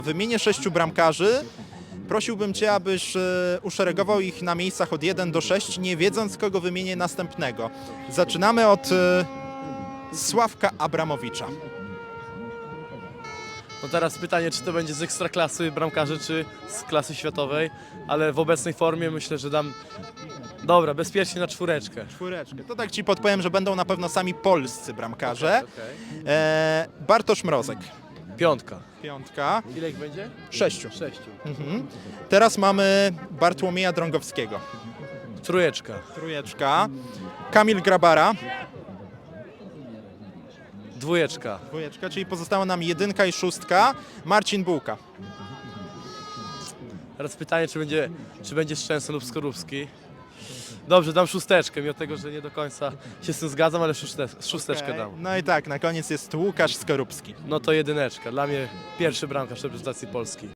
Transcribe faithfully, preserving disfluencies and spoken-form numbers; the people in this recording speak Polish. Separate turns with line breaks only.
Wymienię sześciu bramkarzy. Prosiłbym Cię, abyś e, uszeregował ich na miejscach od jeden do sześciu, nie wiedząc, kogo wymienię następnego. Zaczynamy od e, Sławka Abramowicza.
No teraz pytanie, czy to będzie z ekstraklasy bramkarzy, czy z klasy światowej, ale w obecnej formie myślę, że dam, dobra, bezpiecznie na czwóreczkę.
Czwóreczkę. To tak Ci podpowiem, że będą na pewno sami polscy bramkarze.
Okay.
E, Bartosz Mrozek.
Piątka.
Piątka.
Ile ich będzie?
Sześciu.
Sześciu.
Mhm. Teraz mamy Bartłomieja Drągowskiego.
Trójeczka.
Trójeczka. Kamil Grabara.
Dwójeczka.
Dwójeczka, czyli pozostała nam jedynka i szóstka. Marcin Bułka.
Teraz pytanie, czy będzie, czy będzie Szczęsny lub Skorupski. Dobrze, dam szósteczkę, mimo tego, że nie do końca się z tym zgadzam, ale szóste, szósteczkę
Okej.
dam.
No i tak, na koniec jest Łukasz Skorupski.
No to jedyneczka. Dla mnie pierwszy bramkarz reprezentacji Polski.